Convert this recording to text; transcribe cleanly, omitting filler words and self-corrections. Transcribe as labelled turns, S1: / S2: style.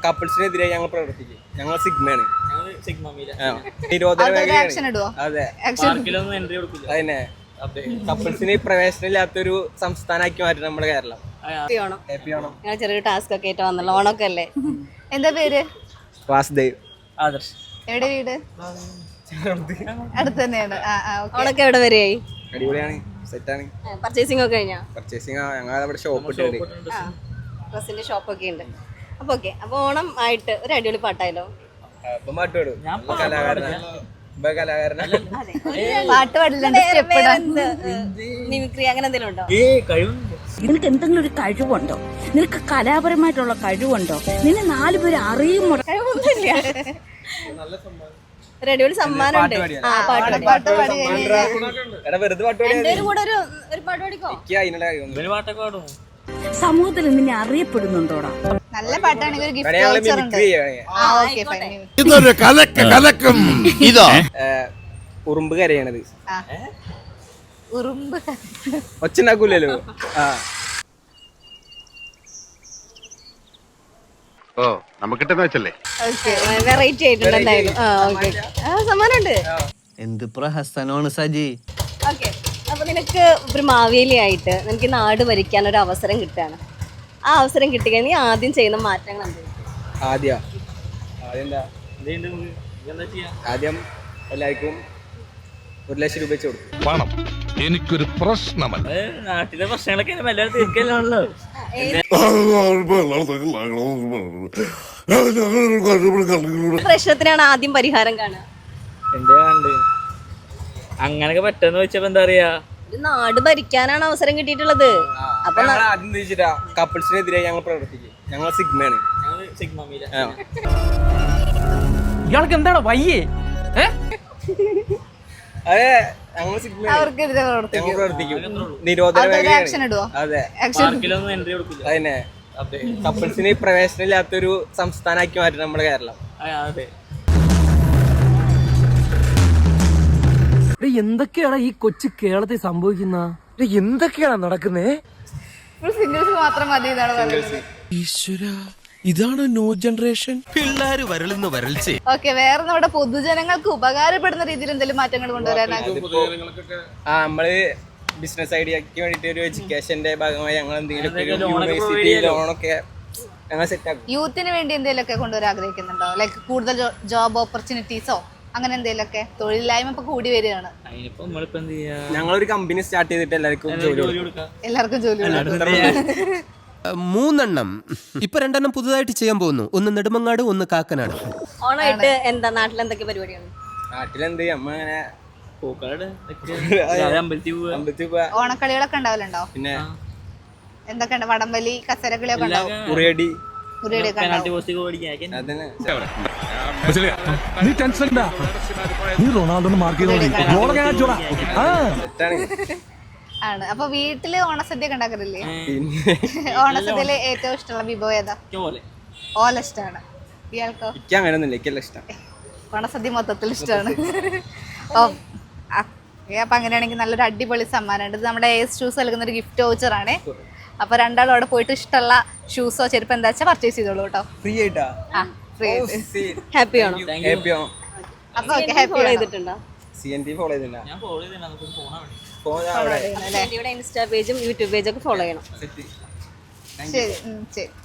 S1: കപ്പിൾസിനെതിരെ ഞങ്ങൾ പ്രവർത്തിക്കും. ഞങ്ങൾ സിഗ്മയാണ്. അതെ, അതന്നെ. കപ്പിൾസിന് പ്രവേശനം ഇല്ലാത്തൊരു സംസ്ഥാനമാക്കി മാറ്റി നമ്മുടെ കേരളം.
S2: ചെറിയൊരു ടാസ്ക് ഒക്കെ ആയിട്ട് വന്നല്ലോ. ഓണൊക്കെ അല്ലേ? എന്താ പേര്?
S1: വാസുദേവ്.
S3: ആദർശ്.
S2: എവിടെ വീട്? അടുത്ത് തന്നെയാണ്. ഓണൊക്കെ എവിടെ വരെയായി?
S1: അടിപൊളിയാണ്, സെറ്റാണ്.
S2: പർച്ചേസിംഗ് ഒക്കെ കഴിഞ്ഞാ?
S1: പർച്ചേസിംഗ് ഞങ്ങൾ ഷോപ്പ് ഇട്ടുണ്ട്,
S2: ഡ്രസ്സിന്റെ ഷോപ്പൊക്കെ ഉണ്ട്. അപ്പൊ ഓക്കെ, അപ്പൊ ഓണം ആയിട്ട് ഒരു അടിപൊളി പാട്ടായാലോ?
S1: പാട്ട് പാടും.
S2: പാട്ട് പാടില്ല, മിമിക്രി അങ്ങനെ എന്തെങ്കിലും ഉണ്ടോ?
S4: നിനക്ക് എന്തെങ്കിലും ഒരു കഴിവുണ്ടോ? നിനക്ക് കലാപരമായിട്ടുള്ള കഴിവുണ്ടോ? നിന്നെ 4 പേര് അറിയുമോ?
S2: കഴിവൊന്നുമില്ല. ഒരു അടിപൊളി സമ്മാനം ഉണ്ട്. പാട്ട് പാടി
S4: സമൂഹത്തിൽ നിന്നെ അറിയപ്പെടുന്നുണ്ടോടാ?
S2: നല്ല പാട്ടാണെങ്കിൽ
S1: ഉറുമ്പ് കരയണത്.
S2: ഉറുമ്പ്
S1: ഒച്ചുണ്ടാക്കൂലല്ലോ.
S2: വെറൈറ്റി ആയിട്ടുണ്ട് എന്തായാലും. സമ്മാനം ഉണ്ട്.
S5: എന്ത് പ്രഹസനമാണ് സജി.
S2: ഓക്കെ, അപ്പൊ നിനക്ക് ഒരു മാവേലി ആയിട്ട് നിനക്ക് നാട് ഭരിക്കാൻ ഒരു അവസരം കിട്ടുകയാണ്. ആ അവസരം കിട്ടിക്കഴിഞ്ഞാൽ നീ ആദ്യം ചെയ്യുന്ന മാറ്റങ്ങൾ എന്താണ്?
S1: ആദ്യം എല്ലാവർക്കും 1 ലക്ഷം രൂപ വെച്ച് കൊടുക്കും.
S6: പണം എനിക്കൊരു പ്രശ്നമല്ല.
S3: നാട്ടിലെ പ്രശ്നങ്ങളൊക്കെ എല്ലാവരും തീർക്കലാണല്ലോ.
S2: പ്രശ്നത്തിനാണ് ആദ്യം പരിഹാരം കാണുക.
S3: എന്താണ് അങ്ങനൊക്കെ പറ്റുമെന്ന് വെച്ചപ്പോ എന്താ പറയാ,
S2: ഒരു നാട് ഭരിക്കാനാണ് അവസരം കിട്ടിയിട്ടുള്ളത്. അപ്പൊ
S1: ആദ്യം ചോദിച്ചിട്ടാ കപ്പിൾസിനെതിരെ ഞങ്ങൾ പ്രവർത്തിക്കും. ഞങ്ങൾ സിഗ്മയാണ്.
S7: ഇയാൾക്ക് എന്താണ് വയ്യേ?
S1: അതെ, ഞങ്ങൾ
S2: അവർക്കെതിരെ
S1: പ്രവർത്തിക്കും. നിരോധന അതെ, അതന്നെ. കപ്പിൾസിന് പ്രവേശനം ഇല്ലാത്തൊരു സംസ്ഥാനമാക്കി മാറ്റി നമ്മുടെ കേരളം.
S7: എന്തൊക്കെയാണ് ഈ കൊച്ചു കേരളത്തിൽ സംഭവിക്കുന്ന? എന്തൊക്കെയാണ് നടക്കുന്നേ?
S2: സിംഗിൾസ് മാത്രം മതി എന്നാണ് പറയുന്നത്.
S6: ഇതാണ് ന്യൂ ജനറേഷൻ. പിള്ളേര് വരളുന്ന വരൾച്ചേ.
S2: ഓക്കെ, വേറെ നമ്മുടെ പൊതുജനങ്ങൾക്ക് ഉപകാരപ്പെടുന്ന രീതിയിൽ എന്തെങ്കിലും മാറ്റങ്ങൾ കൊണ്ടുവരാനാണ്?
S1: നമ്മള് ബിസിനസ് ഐഡിയക്ക് വേണ്ടിട്ട് ഒരു എഡ്യൂക്കേഷന്റെ ഭാഗമായി ഞങ്ങൾ എന്തെങ്കിലും യൂണിവേഴ്സിറ്റി ലോണൊക്കെ ഞങ്ങൾ സെറ്റ് ആക്കും.
S2: യൂത്തിന് വേണ്ടി എന്തെങ്കിലുമൊക്കെ കൊണ്ടുവരാൻ ആഗ്രഹിക്കുന്നുണ്ടോ? ലൈക്ക് കൂടുതൽ ജോബ് ഓപ്പർച്യൂണിറ്റീസോ അങ്ങനെ എന്തെങ്കിലുമൊക്കെ? തൊഴിലില്ലായ്മ ഇപ്പൊ കൂടി വരികയാണ്.
S1: ഞങ്ങളൊരു കമ്പനി സ്റ്റാർട്ട് ചെയ്തിട്ട് എല്ലാവർക്കും ജോലി കൊടുക്കാം.
S5: 3 ഇപ്പൊ 2 പുതുതായിട്ട് ചെയ്യാൻ പോകുന്നു. ഒന്ന് നെടുമങ്ങാട്, ഒന്ന് കാക്കനാട്.
S2: ഓണായിട്ട് എന്താ നാട്ടിൽ എന്തൊക്കെ പരിപാടിയാണ്?
S1: നാട്ടിലെന്ത് അമ്മ അങ്ങനെ
S2: ഓണക്കളികളൊക്കെ ഉണ്ടാവലുണ്ടോ?
S1: പിന്നെ
S2: എന്തൊക്കെയുണ്ട്? വടംവലി, കസരക്കളിയൊക്കെ ഉണ്ടാവും.
S1: ഉറിയടി
S6: നീ ടെൻഷൻ നീ റൊണാൾഡോ മാർക്ക്
S2: ആണ്. അപ്പൊ വീട്ടില് ഓണസദ്യ ഒക്കെ ഉണ്ടാക്കാറില്ലേ? ഓണസദ്യയില് ഏറ്റവും ഇഷ്ടമുള്ള വിഭവം ഏതാ? ഓല ഇഷ്ടമാണ്. ഇയാൾക്കോ?
S1: അങ്ങനെയൊന്നുമില്ല, ഇഷ്ടം.
S2: ഓണസദ്യ മൊത്തത്തിൽ ഇഷ്ടമാണ്. അപ്പൊ അങ്ങനെയാണെങ്കിൽ നല്ലൊരു അടിപൊളി സമ്മാനമുണ്ട്. ഇത് നമ്മുടെ AS ഷൂസ് നൽകുന്ന ഒരു ഗിഫ്റ്റ് വൗച്ചർ ആണ്. അപ്പൊ രണ്ടാളും അവിടെ പോയിട്ട് ഇഷ്ടമുള്ള ഷൂസോ ചെരുപ്പ് എന്താ വെച്ചാൽ പർച്ചേസ് ചെയ്തോളൂ കേട്ടോ.
S1: ഫ്രീ ആയിട്ടാ?
S2: ഹാപ്പി ആണോ? അപ്പൊ ഹാപ്പി ചെയ്തിട്ടുണ്ടോ?
S1: CNT ഫോളോ ചെയ്തിട്ടുണ്ടോ?
S2: ഇൻസ്റ്റാ പേജും യൂട്യൂബ് പേജും ഒക്കെ ഫോളോ ചെയ്യണം. ശരി.